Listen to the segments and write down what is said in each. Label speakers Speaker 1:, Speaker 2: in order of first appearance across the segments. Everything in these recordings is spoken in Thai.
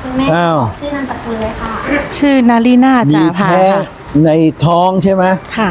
Speaker 1: คุณแม่บอกชื่อนามสกุลเลยค่ะ
Speaker 2: ชื่อนาลีนาจ่าพา
Speaker 3: แพ้
Speaker 2: ค่ะ
Speaker 3: ในท้องใช่ไหม
Speaker 2: ค่ะ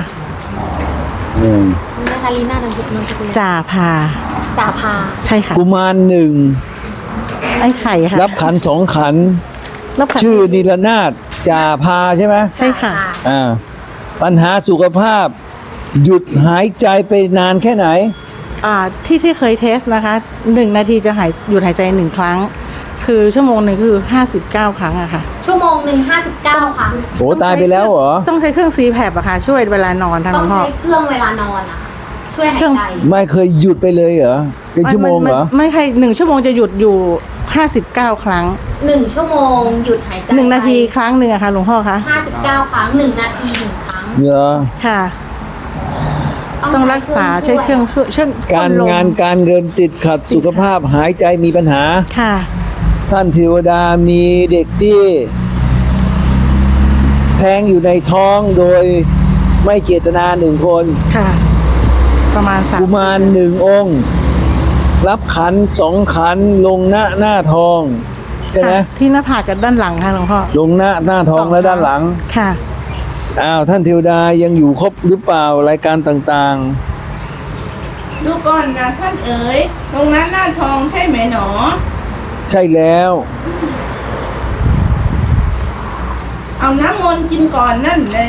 Speaker 1: คุณแม่นาลีน่านามสกุล
Speaker 2: จ่าพา
Speaker 1: จ่าพา
Speaker 2: ใช่ค่ะ
Speaker 3: กุมารหนึ่ง
Speaker 2: ไอ้ไข่ค่ะ
Speaker 3: รับขันสองขัน
Speaker 2: รับขัน
Speaker 3: ชื่อนิรนาถจ่าพาใช่ไหม
Speaker 2: ใช่ค่ะ
Speaker 3: ปัญหาสุขภาพ หยุดหายใจไปนานแค่ไหน
Speaker 2: ที่เคยเทสนะคะ1 นาทีจะหยุดหายใจ1 ครั้ง คือชั่วโมงหนึ่งคือ59 ครั้งอะค่ะ
Speaker 1: ชั่วโมงหนึ่ง59 ครั้ง
Speaker 3: โหตายไปแล้วเหรอ
Speaker 2: ต้องใช้เครื่อง CPAP อะค่ะ ช่วยเวลานอนทาง
Speaker 1: ต้
Speaker 2: หล
Speaker 1: อ
Speaker 2: ว
Speaker 1: ง
Speaker 2: งพ่อ
Speaker 1: ใช้เครื่องเวลานอนนะคะช่วยหายใจ
Speaker 3: ไม่เคยหยุดไปเลยเหรอ เป็นชั่วโมงเหรอ
Speaker 2: ไม่ใช่1 ชั่วโมงจะหยุดอยู่59 ครั้ง
Speaker 1: 1 ชั่วโมงหยุดหายใจ
Speaker 2: 1 นาทีครั้งหนึ่งอะค่ะหลวงพ่อคะ
Speaker 1: 59 ครั้ง1 นาที1 ครั้ง
Speaker 3: เหรอ
Speaker 2: ค่ะ ต้องรักษาใช้เครื่องช่วย
Speaker 3: การ
Speaker 2: พ่นลม
Speaker 3: งานการเงินติดขัดสุขภาพหายใจมีปัญหา
Speaker 2: ค่ะ
Speaker 3: ท่านเทวดามีเด็กที่แทงอยู่ในท้องโดยไม่เจตนาหนึ่งคน
Speaker 2: ค่ะ ประมาณ3
Speaker 3: กุมารหนึ่งองค์ รับขันสองขันลงหน้าทองใช่ไหม
Speaker 2: ค่ะที่หน้าผากกับด้านหลังค่ะหลวงพ่อ
Speaker 3: ลงหน้าทองและด้านหลัง
Speaker 2: ค่ะ
Speaker 3: อ้าวท่านเทวดายังอยู่ครบหรือเปล่ารายการต่าง
Speaker 4: ดูก่อนนะท่านเอ๋ยตรงนั้นหน้าทองใช่ไหมหนอ
Speaker 3: ๆ ใช่แล้ว
Speaker 4: เอาน้ำมนต์กินก่อนนั่นแหละ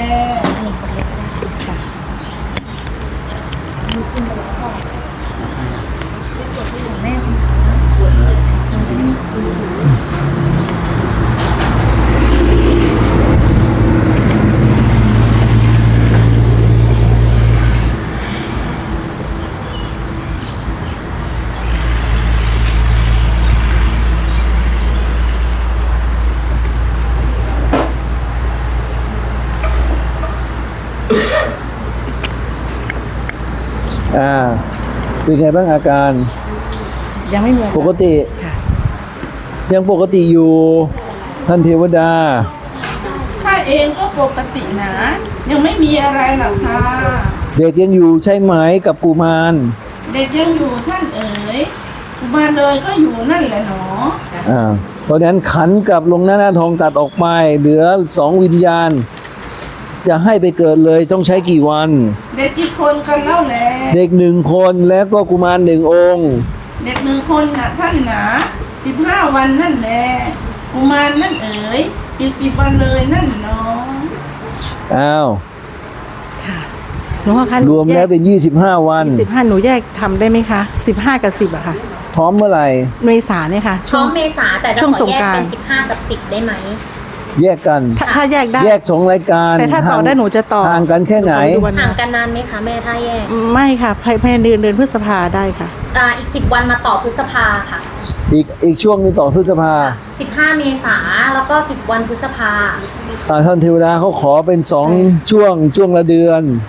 Speaker 3: เป็นไงบ้างอาการ
Speaker 2: ยังไม่มีอาาร
Speaker 3: ปกติ
Speaker 2: ค่ะ
Speaker 3: ยังปกติอยู่ ท่านเทวดา
Speaker 4: ข้าเองก็ปกตินะ ยังไม่มีอะไรหรอกค่ะ
Speaker 3: เด็กยังอยู่ใช่ไหมกับกุมาร
Speaker 4: เด็กยังอยู่ท่านเอ๋ยกุมารเลยก็อยู่นั่นแหละหนอ
Speaker 3: เพราะฉะนั้นขันกับลงหน้าทองตัดออกไปเหลือ2 วิญญาณ จะให้ไปเกิดเลยต้องใช้กี่วัน
Speaker 4: เด็กกี่คนกันเล่าแล
Speaker 3: เด็ก1 คนแล้วก็กุมาร1 องค์
Speaker 4: เด็ก1 คนนะท่านนะ15 วันนั่นแหละกุมารนั่นเอ๋ยอีก10 วันเลยนั่นเนาะ
Speaker 3: อ้าว
Speaker 2: ค่ะหลวงพ่อคะ
Speaker 3: รวมแล้วเป็น25 วัน
Speaker 2: 15หนูแยกทำได้ไหมคะ15 กับ 10อะค่ะ
Speaker 3: พร้อมเมื่อไหร่
Speaker 2: เมษาเนี่ยค่ะ
Speaker 1: ช่วงเมษาแต่จะ
Speaker 2: ช่วง
Speaker 1: ข
Speaker 2: ส
Speaker 1: อง แยก
Speaker 2: กราน
Speaker 1: เป็
Speaker 2: ต์
Speaker 1: น15 กับ 10 ได้ไหม
Speaker 3: แยกกัน
Speaker 2: ถ้าแยกได้
Speaker 3: แยก2 รายการ
Speaker 2: แต่ถ้าต่อได้หนูจะต่อ
Speaker 3: ห่างกันแค่ไหน
Speaker 2: นูขอดูวัน
Speaker 1: ห่างกันนานไหมคะแม่ถ้าแยก
Speaker 2: ไม่ค่ะภายในเดือนพฤษภาได้ค่ะ
Speaker 1: อีก10 วันมาต่อพฤษภาค่ะ
Speaker 3: อีกช่วงนึงต่อพฤษภา
Speaker 1: 15 เมษาแล้วก็10 วันพฤษภา
Speaker 3: ท่านเทวดาเขาขอเป็น2 ช่วงละเดือน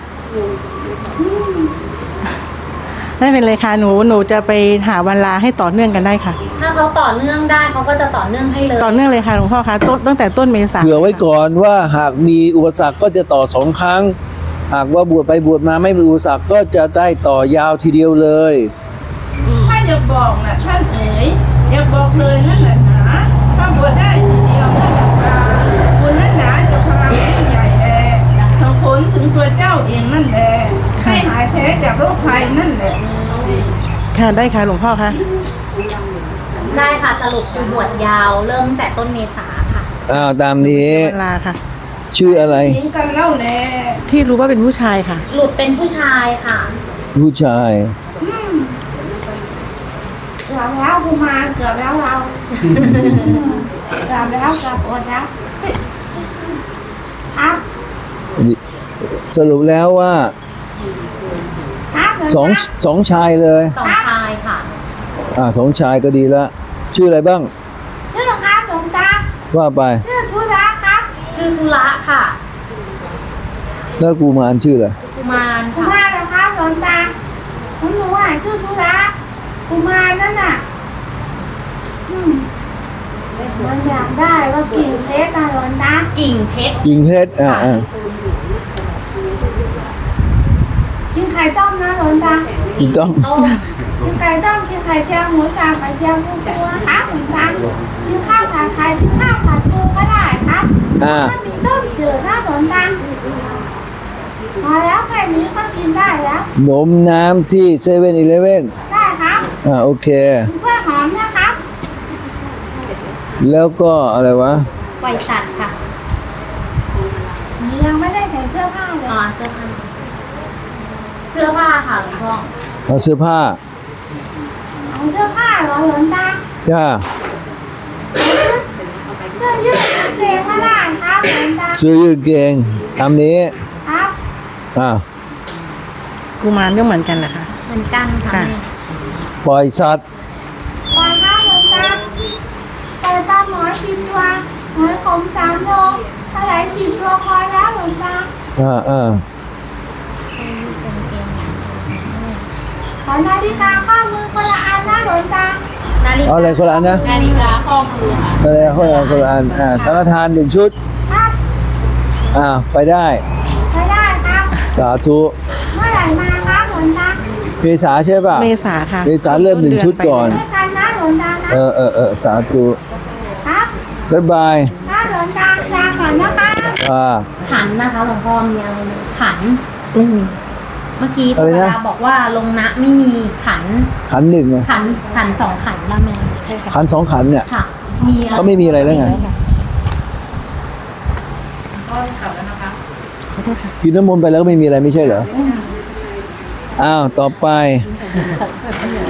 Speaker 2: ไม่เป็นไรค่ะหนูจะไปหาวันลาให้ต่อเนื่องกันได้ค่ะ
Speaker 1: ถ้าเขาต่อเนื่องได้เขาก็จะต่อเนื่องให้เลย
Speaker 2: ต่อเนื่องเลยค่ะหลวงพ่อคะตั้งแต่ต้นเมษา
Speaker 3: เผื่อไว้ก่อนว่าหากมีอุปสรรคก็จะต่อ2 ครั้ง หากว่าบวชไปบวชมาไม่มีอุปสรรคก็จะได้ต่อยาวทีเดียวเลย
Speaker 4: ถ้าอยากบอกนะท่านเอ๋ยอยากบอกเลยนั่นแหละนะถ้าบวชได้ทีเดียวนั่นแหละค่ะบุญนั้นหนาจะพลังยิ่งใหญ่แลทั้งผลถึงตัวเจ้าเองนั่นแหละให้หายแท้จากโรคภัยนั่นแหละ
Speaker 2: ค่ะได้ค่ะหลวงพ่อคะ
Speaker 1: ได้ค่ะสรุปคือบวชยาวเริ่มแต่ต้นเมษาค่ะ
Speaker 3: ตามนี้
Speaker 2: วันลาค่ะ
Speaker 3: ชื่ออะไร
Speaker 4: ทิ้งกันเล่าแล
Speaker 2: ที่รู้ว่าเป็นผู้ชายค่ะ
Speaker 1: หลุดเป็นผู้ชายค่ะ
Speaker 3: ผู้ชาย
Speaker 4: เกือบแล้วกุมารเกือบแล้วเราเกือบแล้วเกือบอดแล้วครับ
Speaker 3: สรุปแล้วว่า
Speaker 4: ครับ
Speaker 3: สองชายเลย
Speaker 1: 2 ชายค่ะ
Speaker 3: 2 ชายก็ดีละชื่ออะไรบ้าง
Speaker 4: ชื่อครับหลวงตา
Speaker 3: ว่าไป
Speaker 4: ชื่อธุระครับ
Speaker 1: ชื่อธุระค่ะ
Speaker 3: แล้วกุมารชื่ออะไร
Speaker 1: กุมาร
Speaker 4: กุ
Speaker 1: ค่ะ
Speaker 4: มารนะครับหลวงตาผมรู้ว่าชื่อธุระกุมารนั่นน่ะมันอยากได้ว่ากิ่งเพชรนะหลวงตา
Speaker 1: กิ่งเพชร
Speaker 3: หญิงเพชร
Speaker 4: กินไข่ต้มนะหลวงตา
Speaker 3: ถูกต้อง
Speaker 1: ต้ม
Speaker 4: กินไข่ต้มกินไข่เจียวหมูสับไข่เจียวกุ้งตัวครับหลวงตากินข้าวผัดไข่กินข้าวมีต้มจืดนะหลวงตาพอแล้วแค่นี้ก็กินได้แล้ว
Speaker 3: นมน้ำที่เซเว่นอีเลฟเว่น
Speaker 4: ได้ครับ
Speaker 3: โอเค
Speaker 4: เพื่อหอมนะครับ
Speaker 3: แล้วก็อะไรวะ
Speaker 1: ไวสัตว์ค่ะ
Speaker 4: นี่ยังไม่ได้ใส่เสื้อผ้าเลย
Speaker 1: อ๋อเสื้อผ้าเสื้อผ้าค่ะหลวงพ่อ
Speaker 3: เอาเสื้อผ้า
Speaker 4: เอาเสื้อผ้าเหรอหลวงตา
Speaker 3: จ้า
Speaker 4: เสื้อยืดกางเกงไม่ได้ครับหลวงตา
Speaker 3: เสื้อยืดเกงตามนี้
Speaker 4: ครับ
Speaker 2: กุมารก็เหมือนกันแหละค่ะ
Speaker 1: เหมือนกันค่ะ
Speaker 2: ค่ะ
Speaker 1: แม่
Speaker 3: ปล่อยสัตว์
Speaker 4: ก่อนครับหลวงตาแต่ปลาหมอ10 ตัวหอยขม3 โลเท่าไหร่10 ตัวพอแล้วหลวงตาขอนาฬิกาข้อมือคนละอันนะหลวงตา
Speaker 1: นาฬิกา
Speaker 3: เอาอะไรคนละอันนะ
Speaker 1: นาฬิกาข้อมือค่ะ
Speaker 3: อะไรคนละอันสังฆทาน1 ชุด
Speaker 4: ครับ
Speaker 3: ไปได้
Speaker 4: ไม่ได้ครับ
Speaker 3: สาธุ
Speaker 4: เมื่อไหร่มาครับหลวงตา
Speaker 3: เมษาใช่ป่ะ
Speaker 2: เมษาค่ะ
Speaker 3: เมษาเริ่ม1 ชุดก่อน
Speaker 4: ด้วยกันนะหลวงตานะ
Speaker 3: สาธุ
Speaker 4: ครับ
Speaker 3: บ๊ายบาย
Speaker 4: นะหลวงตาลาก่อนนะคะ
Speaker 1: ขันนะคะหลวงพ่อมีอะไรไหมขัน
Speaker 2: ไม่มี
Speaker 1: เมื่อกี้
Speaker 3: อะไร
Speaker 1: ตุ
Speaker 3: นะ
Speaker 1: ลาบอกว่าลงนะไม่มีขัน
Speaker 3: ขัน1ไง
Speaker 1: ขัน2ขันละแม่
Speaker 3: ขัน2 ขันเนี่ย
Speaker 1: ค่ะ มีอะไร
Speaker 3: ก็ไม่มีอะไรแล้วไงกินน้ำมนต์ไปแล้วก็ไม่มีอะไรไม่ใช่เหรอ ต่อไป